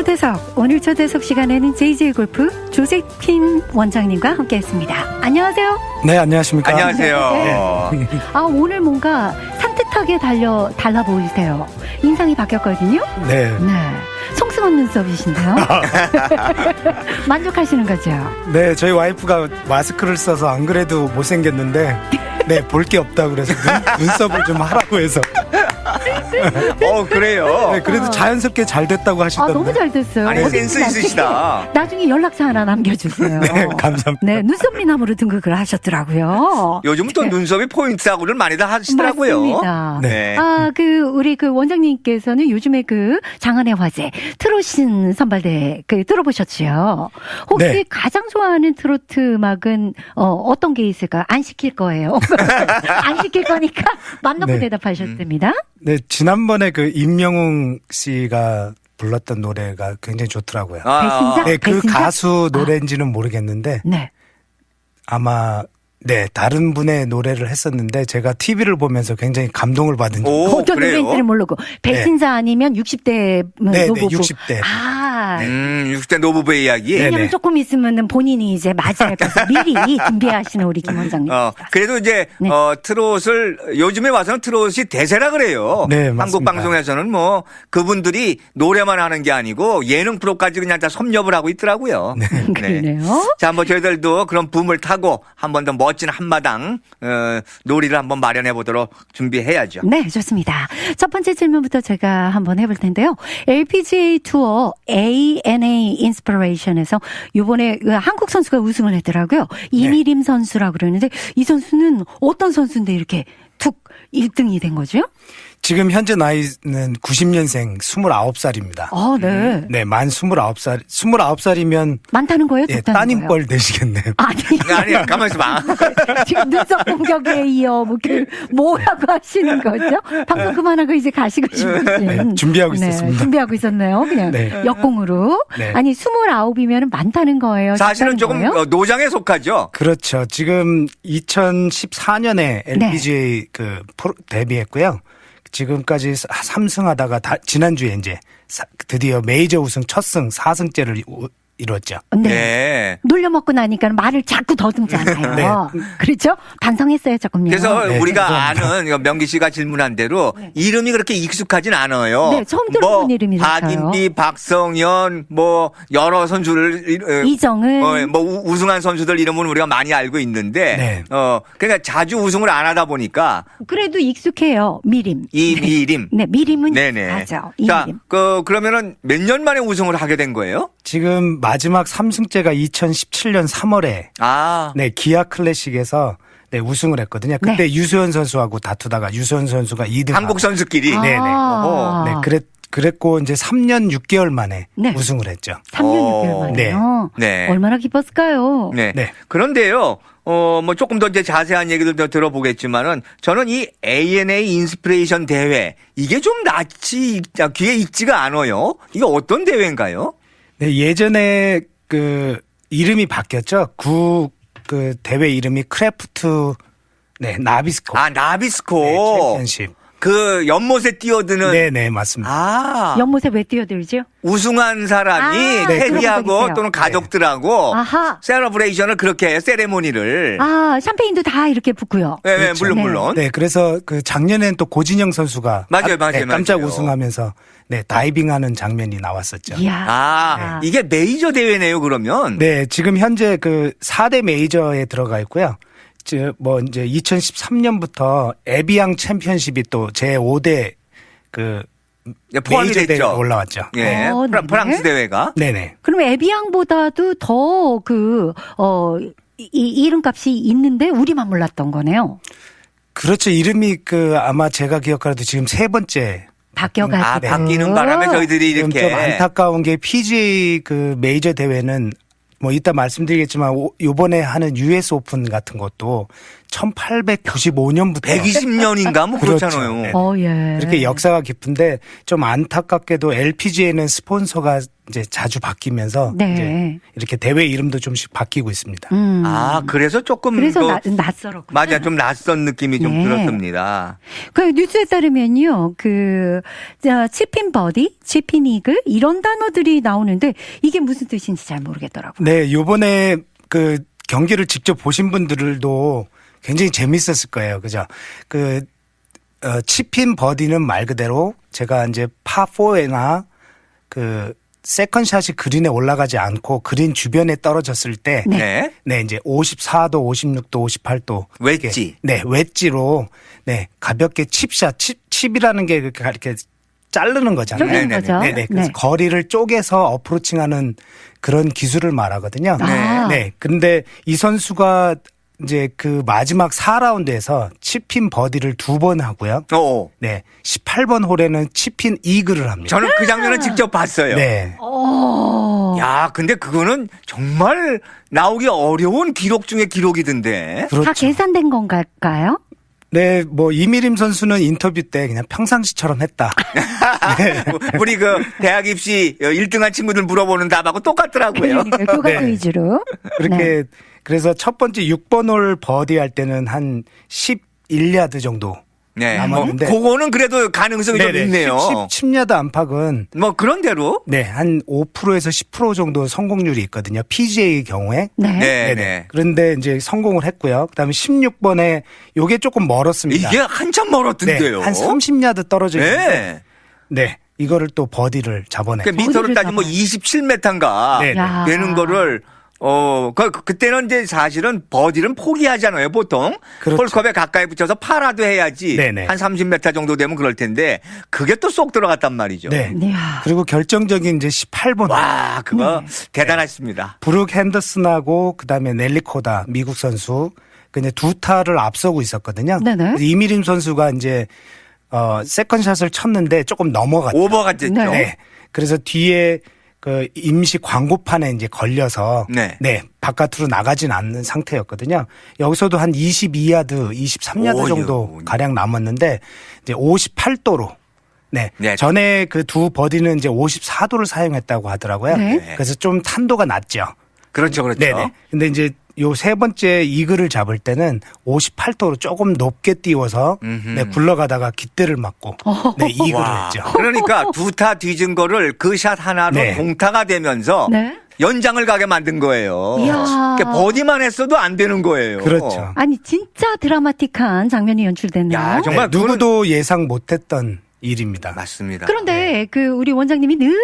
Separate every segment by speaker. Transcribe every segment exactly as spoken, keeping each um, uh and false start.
Speaker 1: 초대석, 오늘 초대석 시간에는 제이제이 골프 조세핀 원장님과 함께했습니다. 안녕하세요.
Speaker 2: 네, 안녕하십니까.
Speaker 3: 안녕하세요.
Speaker 1: 네. 아, 오늘 뭔가 산뜻하게 달려 달라 보이세요. 인상이 바뀌었거든요.
Speaker 2: 네.
Speaker 1: 네. 송승헌 눈썹이신데요. 만족하시는 거죠?
Speaker 2: 네, 저희 와이프가 마스크를 써서 안 그래도 못생겼는데, 네, 볼 게 없다 그래서 눈, 눈썹을 좀 하라고 해서.
Speaker 3: 어, 그래요?
Speaker 2: 네, 그래도 자연스럽게 잘 됐다고
Speaker 1: 아,
Speaker 2: 하시던데.
Speaker 1: 너무 잘 됐어요.
Speaker 3: 아니,
Speaker 1: 어디
Speaker 3: 센스
Speaker 1: 나중에,
Speaker 3: 있으시다.
Speaker 1: 나중에 연락처 하나 남겨주세요.
Speaker 2: 네, 감사합니다.
Speaker 1: 네, 눈썹 미남으로 등극을 하셨더라고요.
Speaker 3: 요즘 또 눈썹이 포인트하고를 많이들 하시더라고요.
Speaker 1: 맞습니다.
Speaker 3: 네.
Speaker 1: 아, 그, 우리 그 원장님께서는 요즘에 그 장안의 화제, 트롯신 선발대, 그, 들어보셨죠? 혹시
Speaker 2: 네.
Speaker 1: 가장 좋아하는 트로트 음악은, 어, 어떤 게 있을까요? 안 시킬 거예요. 안 시킬 거니까 맘 놓고
Speaker 2: 네.
Speaker 1: 대답하셨습니다.
Speaker 2: 네, 지난번에 그 임영웅 씨가 불렀던 노래가 굉장히 좋더라고요.
Speaker 3: 아,
Speaker 1: 배신자?
Speaker 2: 네, 그
Speaker 1: 배신자?
Speaker 2: 가수 노래인지는 모르겠는데,
Speaker 1: 네.
Speaker 2: 아마, 네, 다른 분의 노래를 했었는데, 제가 티비를 보면서 굉장히 감동을 받은 적.
Speaker 3: 오,
Speaker 1: 어떤
Speaker 3: 그래요?
Speaker 1: 노래인지는 모르고. 배신자 아니면 육십 대
Speaker 2: 네,
Speaker 1: 노부부.
Speaker 2: 네, 육십 대.
Speaker 1: 아.
Speaker 3: 음, 육십 대 노부부의 이야기.
Speaker 2: 네.
Speaker 1: 왜냐면 조금 있으면은 본인이 이제 맞이할 것을 미리 준비하시는 우리 김 원장님.
Speaker 3: 어, 그래도 이제,
Speaker 1: 네.
Speaker 3: 어, 트롯을, 요즘에 와서는 트롯이 대세라 그래요.
Speaker 2: 네,
Speaker 3: 한국
Speaker 2: 맞습니다.
Speaker 3: 방송에서는 뭐, 그분들이 노래만 하는 게 아니고, 예능 프로까지 그냥 다 섭렵을 하고 있더라고요. 네.
Speaker 1: 그러네요.
Speaker 3: 자, 한번 저희들도 그런 붐을 타고, 한 번 더 멋진 한마당, 어, 놀이를 한번 마련해 보도록 준비해야죠.
Speaker 1: 네, 좋습니다. 첫 번째 질문부터 제가 한번 해볼 텐데요. 엘피지에이 투어 에이엔에이 인스피레이션에서 이번에 한국 선수가 우승을 했더라고요. 이미림 선수라고 그러는데 이 선수는 어떤 선수인데 이렇게 툭 일 등이 된 거죠?
Speaker 2: 지금 현재 나이는 구십 년생 스물아홉 살입니다.
Speaker 1: 아, 네.
Speaker 2: 네, 만 스물아홉 살, 스물아홉 살이면
Speaker 1: 많다는 거예요?
Speaker 2: 예,
Speaker 1: 적다는 거예요?
Speaker 2: 따님뻘 되시겠네요.
Speaker 1: 아니,
Speaker 3: 아니, 가만히 있어봐.
Speaker 1: 지금 눈썹 공격에 이어 뭐, 그, 뭐라고 하시는 거죠? 방송 그만하고 이제 가시고 싶으신.
Speaker 2: 네, 준비하고
Speaker 1: 네,
Speaker 2: 있었습니다.
Speaker 1: 준비하고 있었네요. 그냥
Speaker 2: 네.
Speaker 1: 역공으로.
Speaker 2: 네.
Speaker 1: 아니, 스물아홉이면 많다는 거예요.
Speaker 3: 사실은
Speaker 1: 적다는
Speaker 3: 조금
Speaker 1: 거예요?
Speaker 3: 어, 노장에 속하죠.
Speaker 2: 그렇죠. 지금 이천십사 년에 엘피지에이 그 프로 데뷔했고요. 지금까지 삼 승 하다가 다, 지난주에 이제 사, 드디어 메이저 우승 첫 승 사 승째를 이뤘죠.
Speaker 1: 네.
Speaker 3: 네.
Speaker 1: 놀려먹고 나니까 말을 자꾸 더듬잖아요.
Speaker 2: 네.
Speaker 1: 그렇죠? 반성했어요, 조금요.
Speaker 3: 그래서
Speaker 2: 네,
Speaker 3: 우리가
Speaker 2: 감사합니다.
Speaker 3: 아는 이거 명기 씨가 질문한 대로 이름이 그렇게 익숙하진 않아요.
Speaker 1: 네, 처음 들어본
Speaker 3: 뭐
Speaker 1: 이름이라서요.
Speaker 3: 박인비, 박성현, 뭐 여러 선수를 어,
Speaker 1: 이정은.
Speaker 3: 어, 뭐 우- 우승한 선수들 이름은 우리가 많이 알고 있는데,
Speaker 2: 네.
Speaker 3: 어 그러니까 자주 우승을 안 하다 보니까
Speaker 1: 그래도 익숙해요, 미림.
Speaker 3: 이미림.
Speaker 1: 네, 미림은
Speaker 3: 네네.
Speaker 1: 맞아.
Speaker 3: 자,
Speaker 1: 이미림.
Speaker 3: 그 그러면은 몇 년 만에 우승을 하게 된 거예요?
Speaker 2: 지금 마지막 삼 승째가 이천십칠 년 삼월에
Speaker 3: 아,
Speaker 2: 네, 기아 클래식에서 네, 우승을 했거든요. 그때
Speaker 1: 네.
Speaker 2: 유수현 선수하고 다투다가 유수현 선수가 이 등.
Speaker 3: 한국 선수끼리.
Speaker 1: 아.
Speaker 2: 네네.
Speaker 3: 어허.
Speaker 2: 네, 그랬, 그랬고 이제 삼 년 육 개월 만에
Speaker 1: 네.
Speaker 2: 우승을 했죠.
Speaker 1: 삼 년
Speaker 3: 어,
Speaker 1: 육 개월 만에요.
Speaker 3: 네.
Speaker 1: 얼마나 기뻤을까요?
Speaker 3: 네.
Speaker 2: 네.
Speaker 3: 그런데요, 어, 뭐 조금 더 이제 자세한 얘기들 더 들어보겠지만은 저는 이 에이엔에이 인스피레이션 대회 이게 좀 낯이, 익- 귀에 익지가 않아요. 이게 어떤 대회인가요?
Speaker 2: 네, 예전에 그 이름이 바뀌었죠. 구 그 대회 이름이 크래프트 네, 나비스코.
Speaker 3: 아,
Speaker 2: 네,
Speaker 3: 나비스코.
Speaker 2: 챔피언십.
Speaker 3: 그 연못에 뛰어드는.
Speaker 2: 네, 네, 맞습니다.
Speaker 3: 아.
Speaker 1: 연못에 왜 뛰어들죠?
Speaker 3: 우승한 사람이
Speaker 1: 아, 네, 그런 적
Speaker 3: 테디하고
Speaker 1: 있어요.
Speaker 3: 또는 가족들하고
Speaker 1: 아하.
Speaker 3: 세러브레이션을 그렇게 해요. 세레모니를.
Speaker 1: 아, 샴페인도 다 이렇게 붓고요.
Speaker 3: 네, 네,
Speaker 2: 그렇죠.
Speaker 3: 물론,
Speaker 1: 네.
Speaker 3: 물론.
Speaker 2: 네, 그래서 그 작년엔 또 고진영 선수가
Speaker 3: 맞아요,
Speaker 2: 아,
Speaker 3: 맞아요,
Speaker 2: 네, 깜짝
Speaker 3: 맞아요.
Speaker 2: 우승하면서 네, 다이빙하는 장면이 나왔었죠.
Speaker 1: 이야.
Speaker 3: 아, 이게 메이저 대회네요, 그러면.
Speaker 2: 네, 지금 현재 그 사 대 메이저에 들어가 있고요. 저 뭐 이제 이천십삼 년부터 에비앙 챔피언십이 또 제오 대 그
Speaker 3: 네, 포함이
Speaker 2: 메이저 대회에
Speaker 3: 됐죠.
Speaker 2: 올라왔죠.
Speaker 3: 예.
Speaker 1: 어,
Speaker 3: 프라,
Speaker 1: 네네.
Speaker 3: 프랑스 대회가.
Speaker 2: 네네.
Speaker 1: 그럼 에비앙보다도 더 그, 어, 이, 이 이름값이 있는데 우리만 몰랐던 거네요.
Speaker 2: 그렇죠. 이름이 그 아마 제가 기억하라도 지금 세 번째.
Speaker 1: 바뀌어가지고.
Speaker 3: 아, 바뀌는 바람에 저희들이
Speaker 2: 지금
Speaker 3: 이렇게.
Speaker 2: 좀 안타까운 게 피지에이 그 메이저 대회는 뭐 이따 말씀드리겠지만 오- 요번에 하는 유에스 오픈 같은 것도 천팔백구십오 년부터
Speaker 3: 백이십 년인가 뭐
Speaker 2: 그렇죠.
Speaker 3: 그렇잖아요.
Speaker 2: 네.
Speaker 1: 어, 예.
Speaker 2: 이렇게 역사가 깊은데 좀 안타깝게도 엘피지에이는 스폰서가 이제 자주 바뀌면서
Speaker 1: 네.
Speaker 2: 이제 이렇게 대회 이름도 좀씩 바뀌고 있습니다.
Speaker 1: 음.
Speaker 3: 아, 그래서 조금
Speaker 1: 그래서
Speaker 3: 더
Speaker 1: 나, 낯설었고.
Speaker 3: 맞아, 좀 낯선 느낌이 좀
Speaker 1: 네.
Speaker 3: 들었습니다.
Speaker 1: 그 뉴스에 따르면요, 그, 자, 치핀 버디, 치핀 이글, 이런 단어들이 나오는데, 이게 무슨 뜻인지 잘 모르겠더라고요.
Speaker 2: 네, 요번에 그 경기를 직접 보신 분들도 굉장히 재밌었을 거예요. 그죠? 그, 어, 치핀 버디는 말 그대로 제가 이제 파사나 그, 세컨샷이 그린에 올라가지 않고 그린 주변에 떨어졌을 때,
Speaker 1: 네.
Speaker 3: 네.
Speaker 2: 네, 이제 오십사 도, 오십육 도, 오십팔 도.
Speaker 3: 웨지.
Speaker 2: 이렇게, 네, 웨지로, 네, 가볍게 칩샷, 칩, 칩이라는 게 이렇게, 이렇게 자르는 거잖아요.
Speaker 1: 쪼개는
Speaker 3: 네네네.
Speaker 1: 거죠.
Speaker 2: 네네. 그래서
Speaker 1: 네.
Speaker 2: 거리를 쪼개서 어프로칭하는 그런 기술을 말하거든요.
Speaker 1: 아.
Speaker 2: 네. 근데 이 선수가 이제 그 마지막 사 라운드에서 치핀 버디를 두 번 하고요.
Speaker 3: 어.
Speaker 2: 네. 십팔 번 홀에는 치핀 이글을 합니다.
Speaker 3: 저는 그 장면을 직접 봤어요.
Speaker 2: 네.
Speaker 1: 오.
Speaker 3: 야, 근데 그거는 정말 나오기 어려운 기록 중에 기록이던데.
Speaker 1: 다
Speaker 2: 그렇죠.
Speaker 1: 계산된 건가요?
Speaker 2: 네, 뭐 이미림 선수는 인터뷰 때 그냥 평상시처럼 했다. 네.
Speaker 3: 우리 그 대학 입시 일 등한 친구들 물어보는 답하고 똑같더라고요.
Speaker 1: 그러니까 교과
Speaker 2: 네.
Speaker 1: 위주로.
Speaker 2: 그렇게
Speaker 1: 네.
Speaker 2: 그래서 첫 번째 육 번 홀 버디 할 때는 한 십일 야드 정도.
Speaker 3: 네. 뭐
Speaker 2: 남았는데.
Speaker 3: 그거는 그래도 가능성이 좀
Speaker 2: 네네.
Speaker 3: 있네요.
Speaker 2: 십, 십 야드 안팎은
Speaker 3: 뭐 그런 대로.
Speaker 2: 네, 한 오 퍼센트에서 십 퍼센트 정도 성공률이 있거든요. 피지에이 경우에.
Speaker 1: 네.
Speaker 3: 네,
Speaker 2: 네네.
Speaker 3: 네.
Speaker 2: 그런데 이제 성공을 했고요. 그다음에 십육 번에 요게 조금 멀었습니다.
Speaker 3: 이게 한참 멀었던데요.
Speaker 2: 네, 한 삼십 야드 떨어져 있는데
Speaker 3: 네.
Speaker 2: 네. 이거를 또 버디를 잡아내.
Speaker 3: 그 미터로
Speaker 1: 어디를
Speaker 3: 따지면 뭐
Speaker 1: 잡아요?
Speaker 3: 이십칠 미터인가
Speaker 2: 네, 네.
Speaker 1: 야.
Speaker 3: 되는 거를 어, 그, 그때는 이제 사실은 버디는 포기하잖아요, 보통.
Speaker 2: 그렇죠.
Speaker 3: 홀컵에 가까이 붙여서 파라도 해야지.
Speaker 2: 네네.
Speaker 3: 한 삼십 미터 정도 되면 그럴 텐데, 그게 또 쏙 들어갔단 말이죠.
Speaker 2: 네.
Speaker 1: 이야.
Speaker 2: 그리고 결정적인 이제 십팔 번.
Speaker 3: 와, 그거
Speaker 2: 네.
Speaker 3: 대단했습니다.
Speaker 2: 브룩 핸더슨하고 그다음에 넬리 코다 미국 선수 그 이제 두 타를 앞서고 있었거든요.
Speaker 1: 네네.
Speaker 2: 그래서 이미림 선수가 이제 어 세컨샷을 쳤는데 조금 넘어갔죠.
Speaker 3: 오버가 됐죠.
Speaker 1: 네.
Speaker 2: 네. 그래서 뒤에 그 임시 광고판에 이제 걸려서
Speaker 3: 네.
Speaker 2: 네, 바깥으로 나가진 않는 상태였거든요. 여기서도 한 이십이 야드, 이십삼 야드
Speaker 3: 오유.
Speaker 2: 정도 가량 남았는데 이제 오십팔 도로 네.
Speaker 3: 네.
Speaker 2: 전에 그 두 버디는 이제 오십사 도를 사용했다고 하더라고요.
Speaker 1: 네.
Speaker 2: 그래서 좀 탄도가 낮죠.
Speaker 3: 그렇죠, 그렇죠.
Speaker 2: 네네. 근데 이제 요 세 번째 이글을 잡을 때는 오십팔 도로 조금 높게 띄워서
Speaker 3: 음흠.
Speaker 2: 네, 굴러가다가 깃대를 맞고 네, 이글을
Speaker 3: 와,
Speaker 2: 했죠.
Speaker 3: 그러니까 두 타 뒤진 거를 그 샷 하나로
Speaker 2: 네.
Speaker 3: 동타가 되면서
Speaker 1: 네.
Speaker 3: 연장을 가게 만든 거예요.
Speaker 1: 이야.
Speaker 3: 그러니까 버디만 했어도 안 되는 거예요.
Speaker 2: 그렇죠.
Speaker 1: 아니, 진짜 드라마틱한 장면이 연출됐네요.
Speaker 3: 야, 정말
Speaker 2: 네, 누구도 예상 못했던 일입니다.
Speaker 3: 맞습니다.
Speaker 1: 그런데 그 우리 원장님이 늘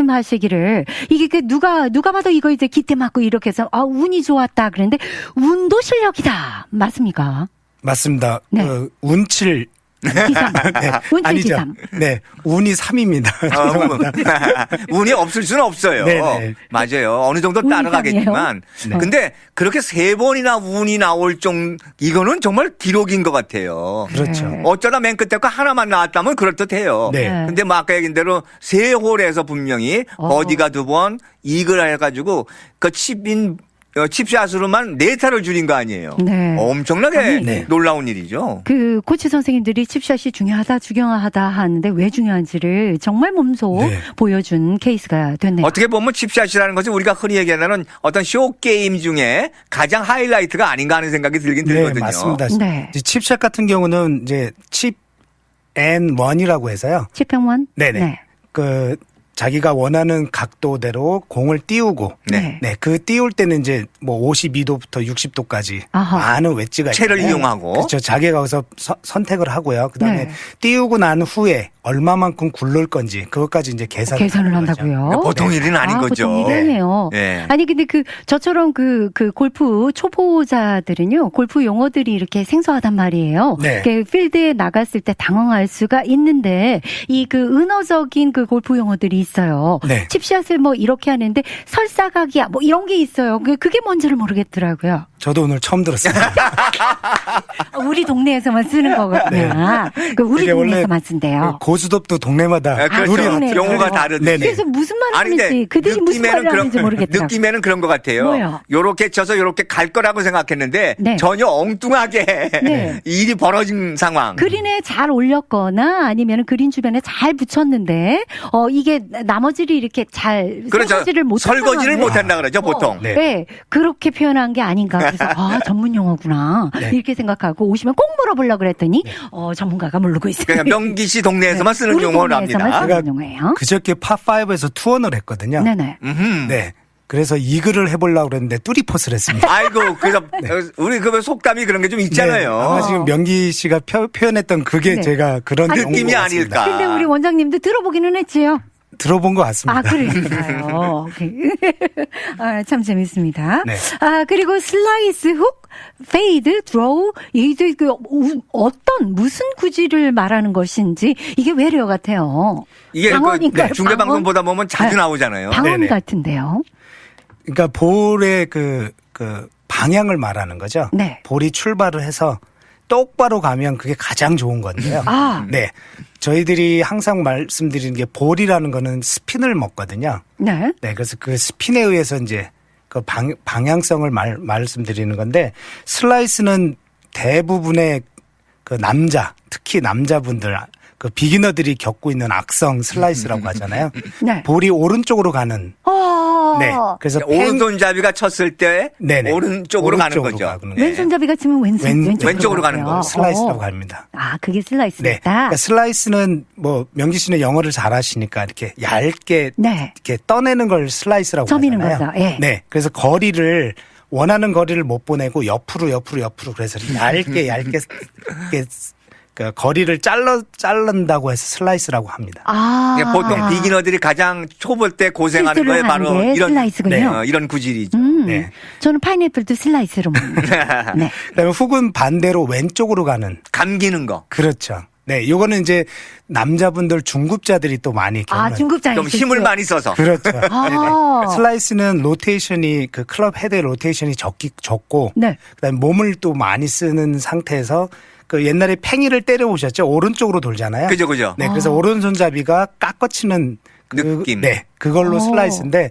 Speaker 1: 말씀하시기를 이게 그 누가 누가 봐도 이거 이제 기대 맞고 이렇게 해서 아 운이 좋았다 그랬는데 운도 실력이다 맞습니까?
Speaker 2: 맞습니다.
Speaker 1: 네.
Speaker 2: 그 운칠
Speaker 1: 기삼
Speaker 2: 네,
Speaker 1: 운칠
Speaker 2: 아니죠.
Speaker 1: 기삼.
Speaker 2: 네, 운이 삼입니다.
Speaker 3: 어, 운이 없을 수는 없어요.
Speaker 2: 네네.
Speaker 3: 맞아요. 어느 정도
Speaker 1: 운이
Speaker 3: 따라가겠지만.
Speaker 2: 네.
Speaker 3: 근데 그렇게 세 번이나 운이 나올 정 이거는 정말 기록인 것 같아요.
Speaker 2: 그렇죠.
Speaker 1: 네.
Speaker 3: 어쩌다 맨 끝에 거 하나만 나왔다면 그럴듯해요.
Speaker 2: 네.
Speaker 1: 네.
Speaker 3: 근데 뭐 아까 얘기한 대로 세 홀에서 분명히
Speaker 1: 어.
Speaker 3: 버디가 두 번, 이글 해가지고 그 칩인 어, 칩샷으로만 네 타를 줄인 거 아니에요.
Speaker 1: 네.
Speaker 3: 엄청나게
Speaker 1: 아니,
Speaker 2: 네.
Speaker 3: 놀라운 일이죠.
Speaker 1: 그 코치 선생님들이 칩샷이 중요하다 중요하다 하는데 왜 중요한지를 정말 몸소
Speaker 2: 네.
Speaker 1: 보여준 케이스가 됐네요.
Speaker 3: 어떻게 보면 칩샷이라는 것은 우리가 흔히 얘기하는 어떤 쇼 게임 중에 가장 하이라이트가 아닌가 하는 생각이 들긴
Speaker 2: 네,
Speaker 3: 들거든요.
Speaker 2: 맞습니다.
Speaker 1: 네.
Speaker 2: 이제 칩샷 같은 경우는 이제 칩 앤 원이라고 해서요.
Speaker 1: 칩평원?
Speaker 2: 네네.
Speaker 1: 네.
Speaker 2: 그 자기가 원하는 각도대로 공을 띄우고
Speaker 3: 네.
Speaker 2: 네, 그 띄울 때는 이제 뭐 오십이 도부터 육십 도까지
Speaker 1: 아하.
Speaker 2: 많은 웨지가
Speaker 3: 채를
Speaker 2: 있는데
Speaker 3: 이용하고.
Speaker 2: 그렇죠. 자기가 거기서 서- 선택을 하고요. 그다음에
Speaker 1: 네.
Speaker 2: 띄우고 난 후에 얼마만큼 굴릴 건지 그것까지 이제 계산을,
Speaker 1: 계산을
Speaker 2: 하는 거죠.
Speaker 1: 한다고요?
Speaker 3: 그러니까 보통 일은 아닌
Speaker 1: 아,
Speaker 3: 거죠.
Speaker 1: 보통 일이 아니에요.
Speaker 3: 네.
Speaker 1: 아니 근데 그 저처럼 그 그 골프 초보자들은요 골프 용어들이 이렇게 생소하단 말이에요.
Speaker 2: 네.
Speaker 1: 그 필드에 나갔을 때 당황할 수가 있는데 이 그 은어적인 그 골프 용어들이 있어요.
Speaker 2: 네.
Speaker 1: 칩샷을 뭐 이렇게 하는데 설사각이야 뭐 이런 게 있어요. 그 그게 뭔지를 모르겠더라고요.
Speaker 2: 저도 오늘 처음 들었습니다.
Speaker 1: 우리 동네에서만 쓰는 거거든요. 그 우리
Speaker 2: 이게 원래
Speaker 1: 동네에서만 쓴대요.
Speaker 2: 고수톱도 동네마다
Speaker 3: 아, 그렇죠.
Speaker 2: 룰이
Speaker 1: 동네.
Speaker 3: 용어가
Speaker 1: 그래요.
Speaker 3: 다르네.
Speaker 2: 네네.
Speaker 1: 그래서 무슨 말을
Speaker 3: 아니, 근데
Speaker 1: 하는지 그들이 무슨 말을
Speaker 3: 느낌에는
Speaker 1: 하는지 모르겠더라고요.
Speaker 3: 느낌에는 그런 것 같아요.
Speaker 1: 뭐요?
Speaker 3: 요렇게 쳐서 요렇게 갈 거라고 생각했는데
Speaker 1: 네.
Speaker 3: 전혀 엉뚱하게
Speaker 1: 네.
Speaker 3: 일이 벌어진 상황.
Speaker 1: 그린에 잘 올렸거나 아니면 그린 주변에 잘 붙였는데 어 이게 나머지를 이렇게 잘
Speaker 3: 그렇죠.
Speaker 1: 설거지를 못
Speaker 3: 설거지를 못 한다 그러죠, 보통.
Speaker 2: 네.
Speaker 1: 네. 그렇게 표현한 게 아닌가. 그래서 아, 전문 용어구나.
Speaker 2: 네.
Speaker 1: 이렇게 생각하고 오시면 꼭 물어보려고 그랬더니 어, 전문가가 모르고 있어요.
Speaker 3: 그러니까 명기 씨 동네에서만 쓰는
Speaker 1: 우리
Speaker 3: 용어랍니다.
Speaker 1: 동네에서만 쓰는
Speaker 2: 제가
Speaker 1: 용어예요.
Speaker 2: 그저께 팝파이브에서 투혼을 했거든요.
Speaker 1: 네네.
Speaker 3: 음흠.
Speaker 2: 네. 그래서 이글을 해보려고 그랬는데 뚜리포스를 했습니다.
Speaker 3: 아이고, 그래서 우리 그 속담이 그런 게 좀 있잖아요.
Speaker 2: 네, 아마 지금 명기 씨가 표, 표현했던 그게
Speaker 1: 네.
Speaker 2: 제가 그런
Speaker 1: 아니,
Speaker 2: 용어인
Speaker 3: 느낌이
Speaker 2: 것 같습니다.
Speaker 3: 아닐까.
Speaker 1: 근데 우리 원장님도 들어보기는 했지요.
Speaker 2: 들어본 것 같습니다.
Speaker 1: 아, 그러니까요. 오케이. 아, 참 재밌습니다.
Speaker 2: 네.
Speaker 1: 아, 그리고 슬라이스, 훅, 페이드, 드로우, 이게 그 우- 어떤 무슨 구질을 말하는 것인지 이게 외래어 같아요.
Speaker 3: 이게 그
Speaker 1: 방언인가요?
Speaker 3: 네, 중계방송 보다 보면 자주
Speaker 1: 네.
Speaker 3: 나오잖아요.
Speaker 1: 방언
Speaker 2: 네네.
Speaker 1: 같은데요.
Speaker 2: 그러니까 볼의 그, 그 방향을 말하는 거죠.
Speaker 1: 네.
Speaker 2: 볼이 출발을 해서 똑바로 가면 그게 가장 좋은 건데요.
Speaker 1: 아.
Speaker 2: 네. 저희들이 항상 말씀드리는 게 볼이라는 거는 스핀을 먹거든요.
Speaker 1: 네.
Speaker 2: 네. 그래서 그 스핀에 의해서 이제 그 방, 방향성을 말, 말씀드리는 건데 슬라이스는 대부분의 그 남자, 특히 남자분들 그 비기너들이 겪고 있는 악성 슬라이스라고 하잖아요.
Speaker 1: 네.
Speaker 2: 볼이 오른쪽으로 가는.
Speaker 1: 어.
Speaker 2: 네. 그래서 펜-
Speaker 3: 오른손잡이가 쳤을 때
Speaker 2: 네네.
Speaker 3: 오른쪽으로 가는
Speaker 2: 오른쪽으로
Speaker 3: 거죠.
Speaker 2: 가는 거예요.
Speaker 1: 왼손잡이가 치면 왼손,
Speaker 2: 왼-
Speaker 1: 왼쪽으로,
Speaker 3: 왼쪽으로 가는
Speaker 1: 가고요.
Speaker 3: 거.
Speaker 2: 슬라이스라고
Speaker 1: 어.
Speaker 2: 합니다.
Speaker 1: 아, 그게
Speaker 2: 네.
Speaker 1: 슬라이스다.
Speaker 2: 그러니까 슬라이스는 뭐 명기 씨는 영어를 잘하시니까 이렇게 얇게
Speaker 1: 네.
Speaker 2: 이렇게 떠내는 걸 슬라이스라고
Speaker 1: 점이는
Speaker 2: 하잖아요.
Speaker 1: 거죠. 예.
Speaker 2: 네. 그래서 거리를 원하는 거리를 못 보내고 옆으로 옆으로 옆으로 그래서 얇게 얇게 이렇게 그 거리를 잘라 자른다고 해서 슬라이스라고 합니다.
Speaker 1: 아.
Speaker 3: 이게 보통 비기너들이 가장 초볼 때 고생하는
Speaker 1: 실수를
Speaker 3: 거에 바로
Speaker 1: 하는 게
Speaker 3: 이런
Speaker 1: 슬라이스군요.
Speaker 3: 네, 어, 이런 구질이죠.
Speaker 1: 음.
Speaker 2: 네.
Speaker 1: 저는 파인애플도 슬라이스로 먹는다. 네.
Speaker 2: 그다음에 훅은 반대로 왼쪽으로 가는
Speaker 3: 감기는 거.
Speaker 2: 그렇죠. 네, 요거는 이제 남자분들 중급자들이 또 많이
Speaker 1: 아,
Speaker 2: 겪는
Speaker 1: 중급자의
Speaker 3: 좀 힘을
Speaker 1: 실수.
Speaker 3: 많이 써서.
Speaker 2: 그렇죠.
Speaker 1: 아.
Speaker 2: 네네. 슬라이스는 로테이션이 그 클럽 헤드의 로테이션이 적기 적고
Speaker 1: 네.
Speaker 2: 그다음에 몸을 또 많이 쓰는 상태에서 그 옛날에 팽이를 때려 보셨죠? 오른쪽으로 돌잖아요.
Speaker 3: 그죠, 그죠.
Speaker 2: 네, 그래서
Speaker 1: 아.
Speaker 2: 오른손잡이가 깎아치는 그,
Speaker 3: 느낌.
Speaker 2: 네, 그걸로
Speaker 1: 오.
Speaker 2: 슬라이스인데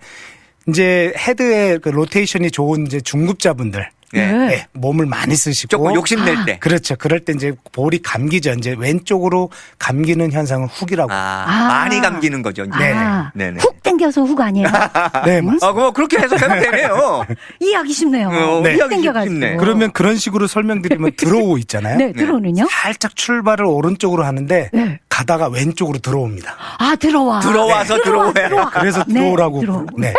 Speaker 2: 이제 헤드의 그 로테이션이 좋은 이제 중급자분들
Speaker 3: 네.
Speaker 1: 네.
Speaker 2: 네, 몸을 많이 쓰시고
Speaker 3: 조금 욕심낼 때.
Speaker 2: 그렇죠. 그럴 때 이제 볼이 감기죠. 이제 왼쪽으로 감기는 현상을 훅이라고.
Speaker 3: 아,
Speaker 1: 아.
Speaker 3: 많이 감기는 거죠. 이제.
Speaker 2: 네네.
Speaker 1: 아,
Speaker 3: 네네.
Speaker 1: 훅 당겨서 훅 아니에요?
Speaker 2: 네, 맞습니다.
Speaker 3: 아, 그거 그렇게 해석하면 되네요.
Speaker 1: 이해하기 쉽네요.
Speaker 3: 어,
Speaker 2: 네.
Speaker 1: 훅 당겨가지고.
Speaker 3: 쉽네.
Speaker 2: 그러면 그런 식으로 설명드리면 들어오 있잖아요.
Speaker 1: 네, 들어오는요?
Speaker 2: 살짝 출발을 오른쪽으로 하는데
Speaker 1: 네.
Speaker 2: 가다가 왼쪽으로 들어옵니다.
Speaker 1: 아, 들어와.
Speaker 3: 들어와서
Speaker 1: 네. 들어와,
Speaker 3: 들어오야.
Speaker 1: 들어와.
Speaker 2: 그래서
Speaker 1: 네,
Speaker 2: 들어오라고.
Speaker 1: 들어오.
Speaker 2: 네.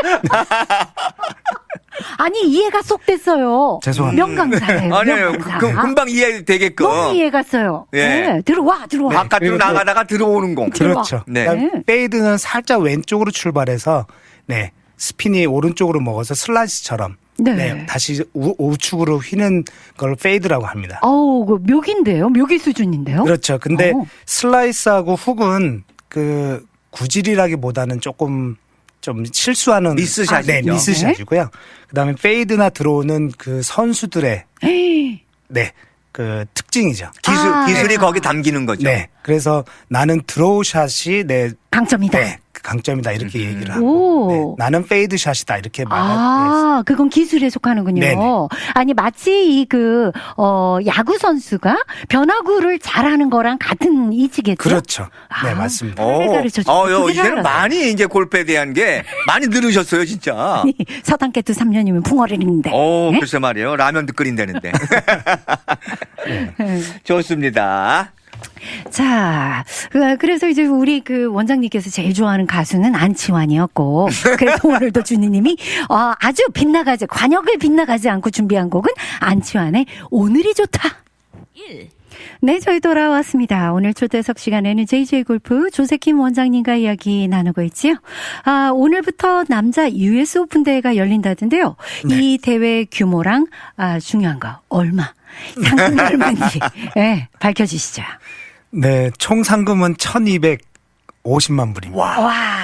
Speaker 1: 아니, 이해가 쏙 됐어요.
Speaker 2: 죄송합니다.
Speaker 1: 명강사예요.
Speaker 3: 아니에요.
Speaker 1: 명강사.
Speaker 3: 그, 금방 이해되게끔.
Speaker 1: 너무 이해갔어요.
Speaker 3: 예.
Speaker 1: 네, 들어와, 들어와.
Speaker 3: 바깥으로
Speaker 2: 그리고 또-
Speaker 3: 나가다가 들어오는 공.
Speaker 1: 들어와.
Speaker 2: 그렇죠.
Speaker 3: 네.
Speaker 2: 그다음에
Speaker 1: 네.
Speaker 2: 페이드는 살짝 왼쪽으로 출발해서 네. 스핀이 오른쪽으로 먹어서 슬라이스처럼
Speaker 1: 네.
Speaker 2: 네, 다시 우, 우측으로 휘는 걸 페이드라고 합니다.
Speaker 1: 어우, 그 묘기인데요? 묘기 수준인데요?
Speaker 2: 그렇죠. 근데
Speaker 1: 어.
Speaker 2: 슬라이스하고 훅은 그 구질이라기보다는 조금 좀 실수하는
Speaker 3: 미스샷이죠.
Speaker 2: 네, 미스샷이고요. 그다음에 페이드나 들어오는 그 선수들의
Speaker 1: 에이,
Speaker 2: 네, 그 특징이죠.
Speaker 3: 기술,
Speaker 1: 아,
Speaker 3: 기술이
Speaker 1: 네.
Speaker 3: 거기 담기는 거죠.
Speaker 2: 네. 그래서 나는 드로우샷이 내
Speaker 1: 강점이다.
Speaker 2: 네, 그 강점이다 이렇게 얘기를 하고
Speaker 1: 오.
Speaker 2: 네, 나는 페이드샷이다 이렇게 말하고
Speaker 1: 아, 그건 기술에 속하는군요.
Speaker 2: 네네.
Speaker 1: 아니, 마치 이 그, 어, 야구 선수가 변화구를 잘하는 거랑 같은 이치겠죠?
Speaker 2: 그렇죠. 네,
Speaker 1: 아.
Speaker 2: 맞습니다.
Speaker 3: 오,
Speaker 1: 가르쳐 주고
Speaker 3: 어, 요,
Speaker 1: 그게
Speaker 3: 이제는
Speaker 1: 알았어요.
Speaker 3: 많이 이제 골프에 대한 게 많이 늘으셨어요, 진짜.
Speaker 1: 아니, 서당깨도 삼 년이면 풍어를인데.
Speaker 3: 오,
Speaker 1: 네?
Speaker 3: 글쎄 말이에요. 라면도 끓인다는데.
Speaker 1: 네.
Speaker 3: 좋습니다.
Speaker 1: 자, 그- 그래서 이제 우리 그 원장님께서 제일 좋아하는 가수는 안치환이었고, 그래서 오늘도 주니님이 어, 아주 빗나가지, 관역을 빗나가지 않고 준비한 곡은 안치환의 오늘이 좋다. 네, 저희 돌아왔습니다. 오늘 초대석 시간에는 제이제이 골프 조세킴 원장님과 이야기 나누고 있지요. 아, 오늘부터 남자 유에스 오픈 대회가 열린다던데요.
Speaker 2: 네.
Speaker 1: 이 대회 규모랑 아, 중요한 거 얼마, 상금이 얼마인지 네, 밝혀주시죠.
Speaker 2: 네, 총 상금은 천이백오십만 불입니다.
Speaker 1: 와,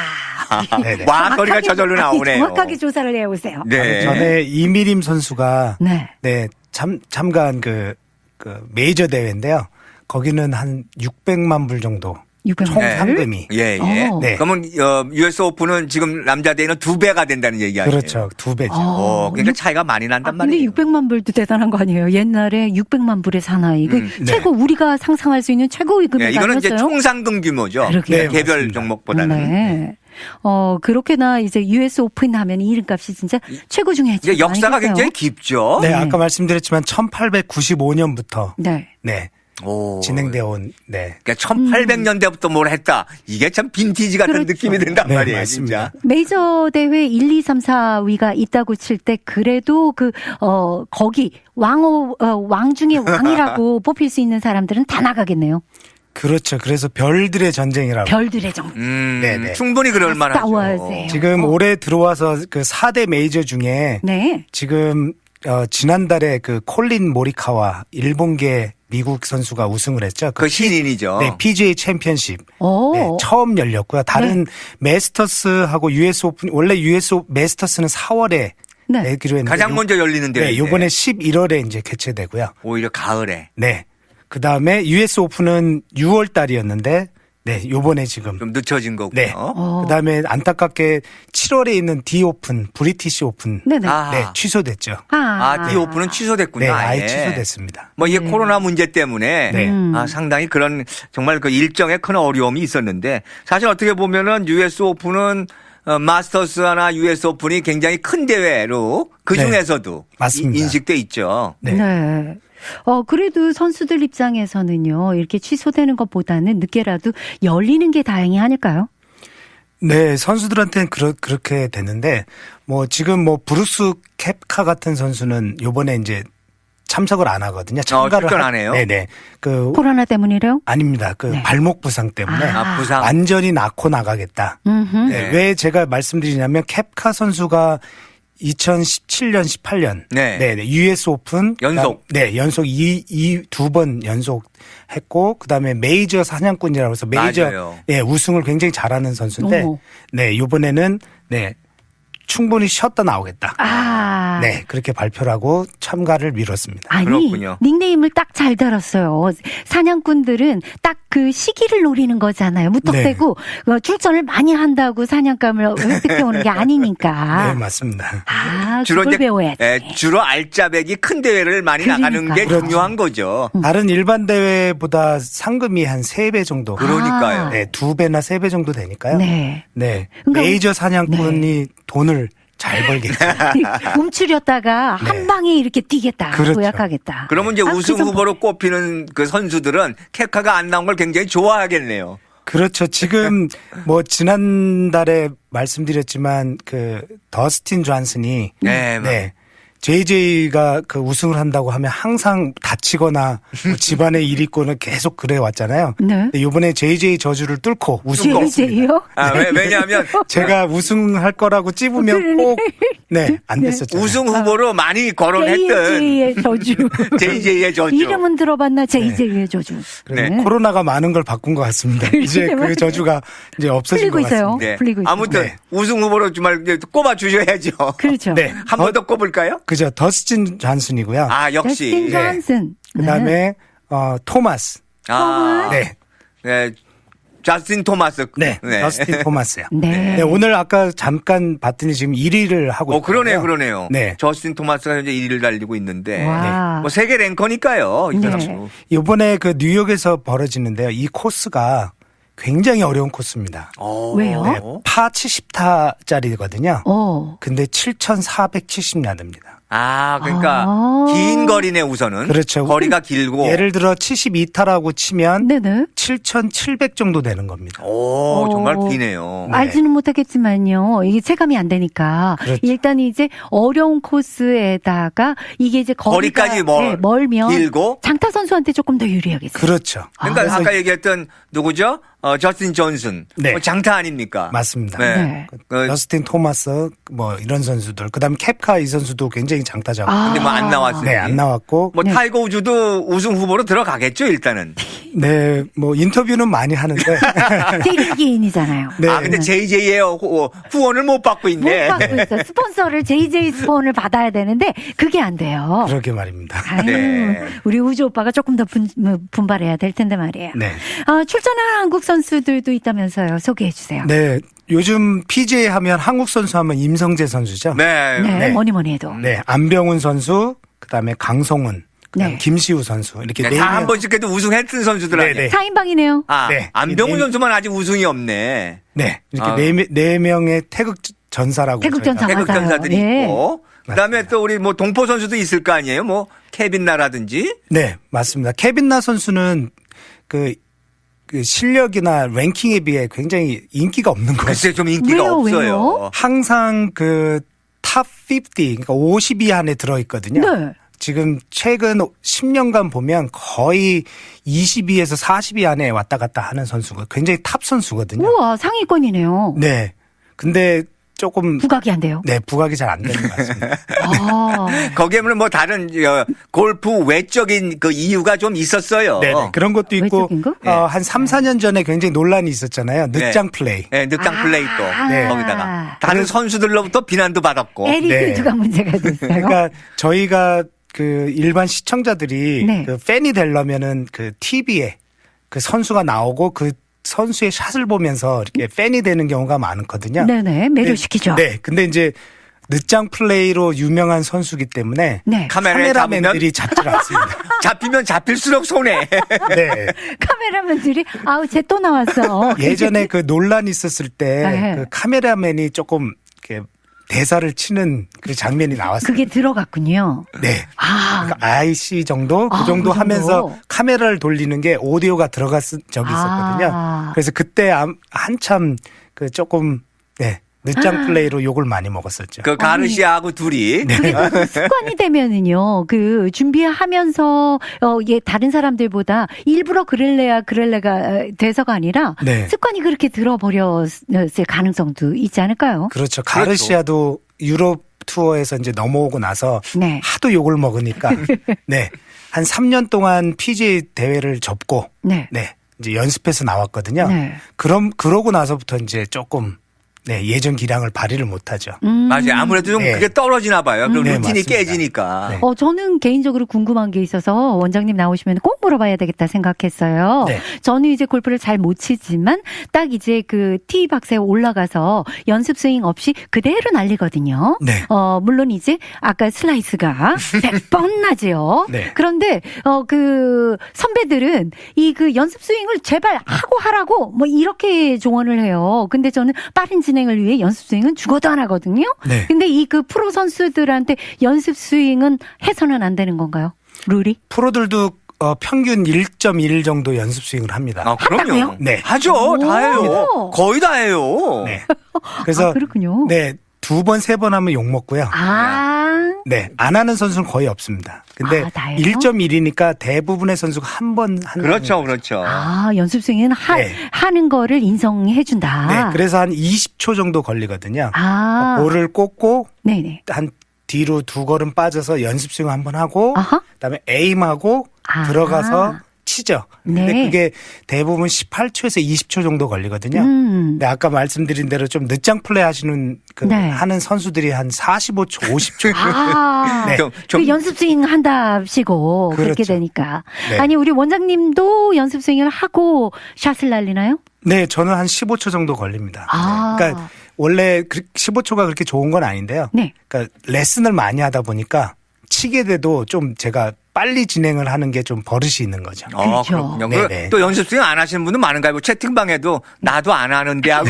Speaker 2: 네네.
Speaker 3: 와, 소리가
Speaker 1: 정확하게-
Speaker 3: 저절로
Speaker 1: 아니,
Speaker 3: 나오네요.
Speaker 1: 정확하게 조사를 해오세요.
Speaker 3: 네.
Speaker 2: 전에 이미림 선수가
Speaker 1: 네.
Speaker 2: 네, 참, 참가한 그, 그 메이저 대회인데요. 거기는 한 육백만 불 정도.
Speaker 1: 육백만
Speaker 2: 총
Speaker 1: 불?
Speaker 2: 상금이.
Speaker 3: 예, 예.
Speaker 1: 어.
Speaker 2: 네.
Speaker 3: 그러면 어, 유에스 오픈은 지금 남자 대회는 두 배가 된다는 얘기 아니에요?
Speaker 2: 그렇죠. 두 배죠.
Speaker 3: 어, 그러니까
Speaker 1: 육-
Speaker 3: 차이가 많이
Speaker 1: 아,
Speaker 3: 난단
Speaker 1: 근데
Speaker 3: 말이에요.
Speaker 1: 육백만 불도 대단한 거 아니에요? 옛날에 육백만 불의 사나이. 그
Speaker 3: 음,
Speaker 2: 네.
Speaker 1: 최고 우리가 상상할 수 있는 최고의 금액
Speaker 3: 예, 이거는 이제
Speaker 1: 아니었어요?
Speaker 3: 총상금 규모죠.
Speaker 1: 그러게요.
Speaker 2: 네,
Speaker 3: 개별
Speaker 2: 맞습니다.
Speaker 3: 종목보다는.
Speaker 1: 네. 어, 그렇게나 이제 유에스 오픈 하면 이름값이 진짜 최고 중에
Speaker 3: 이제
Speaker 1: 최고
Speaker 3: 역사가
Speaker 1: 아니겠어요?
Speaker 3: 굉장히 깊죠.
Speaker 2: 네, 아까 말씀드렸지만 천팔백구십오 년부터
Speaker 1: 네.
Speaker 2: 네,
Speaker 3: 오.
Speaker 2: 진행되어 온 네.
Speaker 3: 그러니까 천팔백 년대부터 뭘 했다. 이게 참 빈티지 같은
Speaker 1: 그렇죠.
Speaker 3: 느낌이 든단
Speaker 2: 네,
Speaker 3: 말이에요,
Speaker 2: 맞습니다.
Speaker 3: 진짜.
Speaker 1: 메이저 대회 일, 이, 삼, 사 위가 있다고 칠 때 그래도 그, 어, 거기 왕호, 어, 왕 중에 왕이라고 뽑힐 수 있는 사람들은 다 나가겠네요.
Speaker 2: 그렇죠. 그래서 별들의 전쟁이라고.
Speaker 1: 별들의 정.
Speaker 3: 음,
Speaker 2: 네네.
Speaker 3: 충분히 그럴 만하죠.
Speaker 1: 싸워야지.
Speaker 2: 지금
Speaker 1: 어.
Speaker 2: 올해 들어와서 그 사 대 메이저 중에
Speaker 1: 네.
Speaker 2: 지금 어, 지난달에 그 콜린 모리카와 일본계 미국 선수가 우승을 했죠.
Speaker 3: 그 신인이죠.
Speaker 2: 네, 피지에이 챔피언십.
Speaker 1: 오.
Speaker 2: 네, 처음 열렸고요. 다른 메스터스하고 유에스 오픈, 원래 유에스 오- 메스터스는 사월에
Speaker 1: 네.
Speaker 2: 내기로 했는데.
Speaker 3: 가장
Speaker 2: 요-
Speaker 3: 먼저 열리는 대회.
Speaker 2: 네, 요번에 십일월에 이제 개최되고요.
Speaker 3: 오히려 가을에
Speaker 2: 네. 그 다음에 유에스 오픈은 유월 달이었는데, 네, 요번에 지금.
Speaker 3: 좀 늦춰진 거고요.
Speaker 2: 네.
Speaker 1: 어.
Speaker 2: 그 다음에 안타깝게 칠월에 있는 디 오픈, 브리티시 오픈.
Speaker 1: 네네.
Speaker 3: 아.
Speaker 2: 네, 취소됐죠.
Speaker 3: 아, 디 오픈은 취소됐군요.
Speaker 2: 네,
Speaker 3: 아예.
Speaker 2: 아예 취소됐습니다.
Speaker 3: 뭐 이게 코로나 문제 때문에
Speaker 2: 네.
Speaker 1: 음.
Speaker 3: 아, 상당히 그런 정말 그 일정에 큰 어려움이 있었는데 사실 어떻게 보면은 유에스 오픈은 어, 마스터스 하나 유에스 오픈이 굉장히 큰 대회로 그
Speaker 2: 네.
Speaker 3: 중에서도
Speaker 2: 맞습니다.
Speaker 3: 이- 인식돼 있죠.
Speaker 2: 네.
Speaker 1: 네. 어, 그래도 선수들 입장에서는요, 이렇게 취소되는 것보다는 늦게라도 열리는 게 다행이 아닐까요?
Speaker 2: 네, 선수들한테는 그러, 그렇게 됐는데, 뭐, 지금 뭐, 브루스 캡카 같은 선수는 요번에 이제 참석을 안 하거든요. 참가를.
Speaker 3: 출전
Speaker 2: 하-
Speaker 3: 안 해요?
Speaker 2: 네네. 그,
Speaker 1: 코로나 때문이래요?
Speaker 2: 아닙니다. 그
Speaker 1: 네.
Speaker 2: 발목 부상 때문에.
Speaker 3: 아, 부상.
Speaker 2: 완전히 낳고 나가겠다.
Speaker 1: 음흠.
Speaker 2: 네, 왜 제가 말씀드리냐면 캡카 선수가 이천십칠 년, 십팔 년
Speaker 3: 네.
Speaker 2: 네, 네, 유에스 오픈
Speaker 3: 연속.
Speaker 2: 그다음- 네, 연속 이, 이 두 번 연속 했고 그다음에 메이저 사냥꾼이라고 해서 메이저
Speaker 3: 맞아요.
Speaker 2: 네, 우승을 굉장히 잘하는 선수인데
Speaker 1: 어머.
Speaker 2: 네, 이번에는 네. 충분히 쉬었다 나오겠다.
Speaker 1: 아.
Speaker 2: 네, 그렇게 발표를 하고 참가를 미뤘습니다.
Speaker 1: 아니,
Speaker 3: 그렇군요.
Speaker 1: 닉네임을 딱 잘 달았어요. 사냥꾼들은 딱 그 시기를 노리는 거잖아요. 무턱대고 어, 출전을 많이 한다고 사냥감을 획득해 오는 게 아니니까.
Speaker 2: 네, 맞습니다.
Speaker 1: 아,
Speaker 3: 주로
Speaker 1: 그걸
Speaker 3: 이제
Speaker 1: 배워야지.
Speaker 3: 예, 주로 알짜배기 큰 대회를 많이
Speaker 1: 그러니까.
Speaker 3: 나가는 게
Speaker 2: 그렇죠.
Speaker 3: 중요한 거죠.
Speaker 2: 다른 일반 대회보다 상금이 한 세 배 정도.
Speaker 3: 그러니까요.
Speaker 1: 아.
Speaker 2: 네, 두 배나 세 배 정도 되니까요.
Speaker 1: 네.
Speaker 2: 네.
Speaker 1: 그러니까
Speaker 2: 메이저 사냥꾼이 돈을 잘 벌겠죠.
Speaker 1: 움츠렸다가 한 방에 이렇게 뛰겠다.
Speaker 2: 그렇죠.
Speaker 1: 도약하겠다.
Speaker 3: 그러면 이제
Speaker 1: 아, 그
Speaker 3: 우승
Speaker 1: 선-
Speaker 3: 후보로 꼽히는 그 선수들은 캡카가 안 나온 걸 굉장히 좋아하겠네요.
Speaker 2: 그렇죠. 지금 뭐 지난달에 말씀드렸지만 그 더스틴 존슨이
Speaker 3: 네,
Speaker 2: 네. 제이제이가 그 우승을 한다고 하면 항상 다치거나 뭐 집안의 일 있고는 계속 그래 왔잖아요.
Speaker 1: 네.
Speaker 2: 근데 이번에 제이제이 저주를 뚫고 우승을 했습니다.
Speaker 1: 제이제이요?
Speaker 3: 아, 왜, 왜냐하면
Speaker 2: 제가 우승할 거라고 찝으면 꼭 네, 안 됐었잖아요.
Speaker 3: 우승 후보로 많이 거론했던
Speaker 1: 제이제이의 저주.
Speaker 3: 제이제이의 저주.
Speaker 1: 이름은 들어봤나? 제이제이의 저주.
Speaker 2: 그래,
Speaker 3: 네.
Speaker 2: 코로나가 많은 걸 바꾼 것 같습니다. 이제 그 저주가 이제 없어진
Speaker 1: 풀리고
Speaker 2: 것
Speaker 1: 있어요.
Speaker 2: 같습니다.
Speaker 3: 네.
Speaker 1: 풀리고 있어요.
Speaker 3: 아무튼
Speaker 2: 네.
Speaker 3: 우승 후보로 정말 이제 꼽아 주셔야죠.
Speaker 1: 그렇죠.
Speaker 2: 네.
Speaker 3: 한 번 더 꼽을까요?
Speaker 2: 그죠. 더스틴 존슨이고요.
Speaker 3: 아, 역시.
Speaker 1: 더스틴 존슨.
Speaker 2: 그다음에 어 토마스.
Speaker 3: 아,
Speaker 2: 네.
Speaker 3: 네. 자스틴 토마스.
Speaker 2: 네. 더스틴 토마스요.
Speaker 1: 네.
Speaker 2: 네, 오늘 아까 잠깐 봤더니 지금 일 위를 하고
Speaker 3: 어, 그러네요,
Speaker 2: 있거든요.
Speaker 3: 그러네요.
Speaker 2: 네.
Speaker 3: 저스틴 토마스가 현재 일 위를 달리고 있는데.
Speaker 1: 와.
Speaker 3: 뭐 세계 랭커니까요. 이
Speaker 1: 네.
Speaker 3: 선수.
Speaker 2: 이번에 그 뉴욕에서 벌어지는데요. 이 코스가 굉장히 어려운 코스입니다.
Speaker 3: 어.
Speaker 1: 왜요?
Speaker 2: 네, 파 칠십 타짜리거든요.
Speaker 1: 어.
Speaker 2: 근데 칠천사백칠십 야드입니다.
Speaker 3: 아, 그러니까
Speaker 1: 아.
Speaker 3: 긴 거리네 우선은.
Speaker 2: 그렇죠.
Speaker 3: 거리가 길고.
Speaker 2: 예를 들어 칠십이 타라고 치면
Speaker 1: 네네.
Speaker 2: 칠천칠백 정도 되는 겁니다.
Speaker 3: 오,
Speaker 1: 어.
Speaker 3: 정말 기네요.
Speaker 2: 네.
Speaker 1: 알지는 못하겠지만요. 이게 체감이 안 되니까.
Speaker 2: 그렇죠.
Speaker 1: 일단 이제 어려운 코스에다가 이게 이제 거리가
Speaker 3: 거리까지 멀-
Speaker 1: 네, 멀면
Speaker 3: 길고.
Speaker 1: 장타 선수한테 조금 더 유리하겠어요.
Speaker 2: 그렇죠.
Speaker 3: 그러니까
Speaker 2: 그래서
Speaker 3: 아까 얘기했던 누구죠? 어, 저스틴 존슨.
Speaker 2: 네.
Speaker 3: 뭐 장타 아닙니까?
Speaker 2: 맞습니다.
Speaker 3: 네.
Speaker 1: 네.
Speaker 3: 그,
Speaker 2: 저스틴 토마스 뭐 이런 선수들 그다음에 캡카 이 선수도 굉장히 장타자고
Speaker 1: 아.
Speaker 3: 근데 뭐 안 나왔어요.
Speaker 2: 네, 안 나왔고
Speaker 3: 뭐
Speaker 1: 네.
Speaker 3: 타이거 우즈도 우승 후보로 들어가겠죠, 일단은.
Speaker 2: 네, 뭐 인터뷰는 많이 하는데
Speaker 1: 세계인이잖아요.
Speaker 2: 네.
Speaker 3: 아, 근데 제이제이의 후원을 못 받고
Speaker 1: 못
Speaker 3: 있네.
Speaker 1: 받고 있어. 스폰서를 제이제이 스폰을 받아야 되는데 그게 안 돼요.
Speaker 2: 그러게 말입니다.
Speaker 1: 아유,
Speaker 3: 네.
Speaker 1: 우리 우주 오빠가 조금 더 분, 뭐, 분발해야 될 텐데 말이에요.
Speaker 2: 네.
Speaker 1: 아, 출전한 한국 선수들도 있다면서요. 소개해 주세요.
Speaker 2: 네, 요즘 피지에이 하면 한국 선수 하면 임성재 선수죠.
Speaker 3: 네.
Speaker 1: 네,
Speaker 2: 네.
Speaker 1: 뭐니 뭐니 해도.
Speaker 2: 네, 안병훈 선수, 그다음에 강성훈, 그다음에
Speaker 1: 네.
Speaker 2: 김시우 선수 이렇게
Speaker 3: 네,
Speaker 2: 네
Speaker 3: 다 한
Speaker 2: 명.
Speaker 3: 번씩 그래도 우승했던 선수들 아니에요.
Speaker 2: 네, 네.
Speaker 1: 사 인방이네요.
Speaker 3: 아,
Speaker 2: 네.
Speaker 3: 안병훈
Speaker 2: 네.
Speaker 3: 선수만 아직 우승이 없네.
Speaker 2: 네, 이렇게
Speaker 3: 아.
Speaker 2: 네, 명- 네 명의 태극 전사라고
Speaker 1: 태극
Speaker 2: 저희가-
Speaker 1: 전사.
Speaker 3: 태극
Speaker 1: 맞아요.
Speaker 3: 전사들이
Speaker 1: 예.
Speaker 3: 있고. 그다음에 또 우리 뭐 동포 선수도 있을 거 아니에요. 뭐 케빈 나라든지.
Speaker 2: 네, 맞습니다. 케빈 나 선수는 그, 그 실력이나 랭킹에 비해 굉장히 인기가 없는 거죠.
Speaker 3: 글쎄 좀 인기가
Speaker 1: 왜요,
Speaker 3: 없어요.
Speaker 1: 왜요?
Speaker 2: 항상 그 탑 오십, 그러니까 오십 위 안에 들어 있거든요.
Speaker 1: 네.
Speaker 2: 지금 최근 십 년간 보면 거의 이십 위에서 사십 위 안에 왔다 갔다 하는 선수가 굉장히 탑 선수거든요.
Speaker 1: 우와, 상위권이네요.
Speaker 2: 네. 근데 조금
Speaker 1: 부각이 안 돼요.
Speaker 2: 네, 부각이 잘 안 되는 것 같습니다.
Speaker 1: 아,
Speaker 3: 거기에는 뭐 다른 어, 골프 외적인 그 이유가 좀 있었어요.
Speaker 2: 네, 네. 그런 것도 있고
Speaker 1: 외적인 거?
Speaker 2: 어, 한 삼, 사 년 전에 굉장히 논란이 있었잖아요.
Speaker 3: 네.
Speaker 2: 늑장 플레이.
Speaker 3: 네, 늑장
Speaker 1: 아.
Speaker 3: 플레이 또
Speaker 1: 네.
Speaker 3: 거기다가 다른 선수들로부터 비난도 받았고.
Speaker 1: 에리필드가 문제가 됐어요.
Speaker 2: 그러니까 저희가 그 일반 시청자들이
Speaker 1: 네.
Speaker 2: 그 팬이 되려면은 그 티비에 그 선수가 나오고 그 선수의 샷을 보면서 이렇게 팬이 되는 경우가 많거든요.
Speaker 1: 네네, 매료시키죠.
Speaker 2: 네. 근데 이제 늦장 플레이로 유명한 선수기 때문에
Speaker 1: 네.
Speaker 3: 카메라에
Speaker 2: 카메라맨들이 잡질 않습니다.
Speaker 3: 잡히면 잡힐수록 손해.
Speaker 2: 네.
Speaker 1: 카메라맨들이 아우 쟤 또 나왔어.
Speaker 2: 예전에 그 논란이 있었을 때
Speaker 1: 네.
Speaker 2: 그 카메라맨이 조금 이렇게 대사를 치는 그 장면이 나왔어요.
Speaker 1: 그게 들어갔군요.
Speaker 2: 네.
Speaker 1: 아,
Speaker 2: 그러니까 아이씨 정도
Speaker 1: 아,
Speaker 2: 그 정도
Speaker 1: 그 정도?
Speaker 2: 하면서 카메라를 돌리는 게 오디오가 들어갔 적이 있었거든요.
Speaker 1: 아.
Speaker 2: 그래서 그때 암- 한참 그 조금 네 늦장
Speaker 1: 아.
Speaker 2: 플레이로 욕을 많이 먹었었죠.
Speaker 3: 그 가르시아하고 둘이.
Speaker 1: 그게 또 습관이 되면은요, 그 준비하면서 어, 예, 다른 사람들보다 일부러 그럴래야 그럴래가 어, 돼서가 아니라
Speaker 2: 네.
Speaker 1: 습관이 그렇게 들어버렸을 가능성도 있지 않을까요?
Speaker 2: 그렇죠. 가르시아도 유럽 투어에서 이제 넘어오고 나서
Speaker 1: 네.
Speaker 2: 하도 욕을 먹으니까 네. 한 삼 년 동안 피지에이 대회를 접고
Speaker 1: 네.
Speaker 2: 네. 이제 연습해서 나왔거든요.
Speaker 1: 네.
Speaker 2: 그럼 그러고 나서부터 이제 조금 네, 예전 기량을 발휘를 못 하죠.
Speaker 1: 음.
Speaker 3: 맞아요. 아무래도 좀
Speaker 2: 네.
Speaker 3: 그게 떨어지나 봐요. 그럼
Speaker 2: 네,
Speaker 3: 루틴이
Speaker 2: 맞습니다.
Speaker 3: 깨지니까.
Speaker 2: 네.
Speaker 1: 어, 저는 개인적으로 궁금한 게 있어서 원장님 나오시면 꼭 물어봐야 되겠다 생각했어요.
Speaker 2: 네.
Speaker 1: 저는 이제 골프를 잘 못 치지만 딱 이제 그 티박스에 올라가서 연습 스윙 없이 그대로 날리거든요.
Speaker 2: 네.
Speaker 1: 어, 물론 이제 아까 슬라이스가 백 번 나지요.
Speaker 2: 네.
Speaker 1: 그런데 어, 그 선배들은 이 그 연습 스윙을 제발 하고 하라고 뭐 이렇게 조언을 해요. 근데 저는 빠른 진행을 위해 연습 스윙은 죽어도 안 하거든요.
Speaker 2: 네.
Speaker 1: 근데 이 그 프로 선수들한테 연습 스윙은 해서는 안 되는 건가요? 룰이?
Speaker 2: 프로들도 어, 평균 일 점 일 정도 연습 스윙을 합니다.
Speaker 3: 아, 그럼요.
Speaker 1: 한다고요?
Speaker 2: 네.
Speaker 3: 하죠. 다 해요.
Speaker 1: 오.
Speaker 3: 거의 다 해요.
Speaker 2: 네. 그래서
Speaker 1: 아, 그렇군요.
Speaker 2: 네, 두 번, 세 번 하면 욕 먹고요.
Speaker 1: 아,
Speaker 2: 네, 안 하는 선수는 거의 없습니다. 근데
Speaker 1: 아, 다행이요?
Speaker 2: 일 점 일이니까 대부분의 선수가 한 번 하는
Speaker 3: 그렇죠,
Speaker 2: 거죠.
Speaker 3: 그렇죠.
Speaker 1: 아, 연습 스윙은 하,
Speaker 2: 네.
Speaker 1: 하는 거를 인정해준다.
Speaker 2: 네, 그래서 한 이십 초 정도 걸리거든요.
Speaker 1: 아,
Speaker 2: 볼을 꽂고
Speaker 1: 네네.
Speaker 2: 한 뒤로 두 걸음 빠져서 연습 스윙 한번 하고
Speaker 1: 아하.
Speaker 2: 그다음에 에임하고
Speaker 1: 아.
Speaker 2: 들어가서 치죠. 근데
Speaker 1: 네.
Speaker 2: 그게 대부분 십팔 초에서 이십 초 정도 걸리거든요.
Speaker 1: 음.
Speaker 2: 근데 아까 말씀드린 대로 좀 늦장 플레이 하시는 그
Speaker 1: 네.
Speaker 2: 하는 선수들이 한 사십오 초, 오십 초.
Speaker 1: 아,
Speaker 2: 네.
Speaker 3: 좀, 좀
Speaker 1: 그 연습 스윙 한답시고 그렇게
Speaker 2: 그렇죠.
Speaker 1: 되니까.
Speaker 2: 네.
Speaker 1: 아니, 우리 원장님도 연습 스윙을 하고 샷을 날리나요?
Speaker 2: 네, 저는 한 십오 초 정도 걸립니다.
Speaker 1: 아.
Speaker 2: 그러니까 원래 그 십오 초가 그렇게 좋은 건 아닌데요.
Speaker 1: 네.
Speaker 2: 그러니까 레슨을 많이 하다 보니까 치게 돼도 좀 제가 빨리 진행을 하는 게 좀 버릇이 있는 거죠.
Speaker 3: 어,
Speaker 1: 그렇죠.
Speaker 3: 그렇군요.
Speaker 2: 네네.
Speaker 3: 그, 또 연습 스윙 안 하시는 분은 많은가요? 뭐 채팅방에도 나도 안 하는데 하고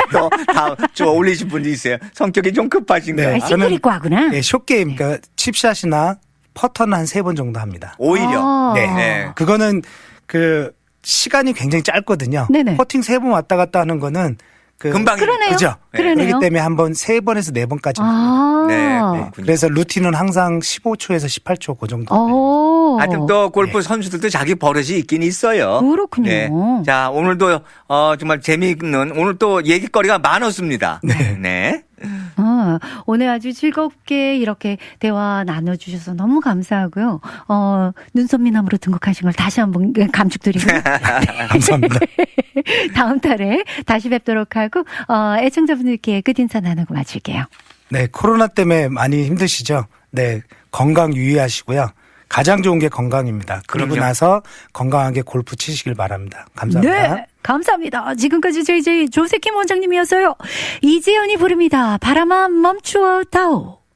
Speaker 3: 또다좀 올리신 분도 있어요. 성격이 좀 급하신가요?
Speaker 2: 네.
Speaker 1: 아,
Speaker 2: 저는-
Speaker 1: 시크릿 과구나.
Speaker 2: 네, 숏게임, 그러니까 칩샷이나 퍼터는 한 세 번 정도 합니다.
Speaker 3: 오히려.
Speaker 1: 아.
Speaker 2: 네.
Speaker 3: 네.
Speaker 2: 그거는 그 시간이 굉장히 짧거든요.
Speaker 1: 네네.
Speaker 2: 퍼팅 세 번 왔다 갔다 하는 거는 그
Speaker 3: 금방.
Speaker 1: 그러네요.
Speaker 2: 그죠?
Speaker 1: 그러네요.
Speaker 2: 그렇기 때문에 한번 세 번에서 네 번까지.
Speaker 1: 아.
Speaker 3: 네, 그렇군요.
Speaker 2: 그래서 루틴은 항상 십오 초에서 십팔 초 그 정도.
Speaker 1: 오.
Speaker 3: 하여튼 또 골프
Speaker 2: 네.
Speaker 3: 선수들도 자기 버릇이 있긴 있어요.
Speaker 1: 그렇군요.
Speaker 3: 네. 자, 오늘도 어, 정말 재미있는 오늘 또 얘기거리가 많았습니다.
Speaker 2: 네.
Speaker 3: 네.
Speaker 1: 어, 오늘 아주 즐겁게 이렇게 대화 나눠주셔서 너무 감사하고요. 어, 눈썹미남으로 등극하신 걸 다시 한번 감축드리고.
Speaker 2: 감사합니다.
Speaker 1: 다음 달에 다시 뵙도록 하고, 어, 애청자분들께 끝인사 나누고 마칠게요.
Speaker 2: 네, 코로나 때문에 많이 힘드시죠? 네, 건강 유의하시고요. 가장 좋은 게 건강입니다. 그러고
Speaker 3: 그럼요.
Speaker 2: 나서 건강하게 골프 치시길 바랍니다. 감사합니다.
Speaker 1: 네, 감사합니다. 지금까지 제이제이 조세킴 원장님이었어요. 이지연이 부릅니다. 바람아 멈추어 다오.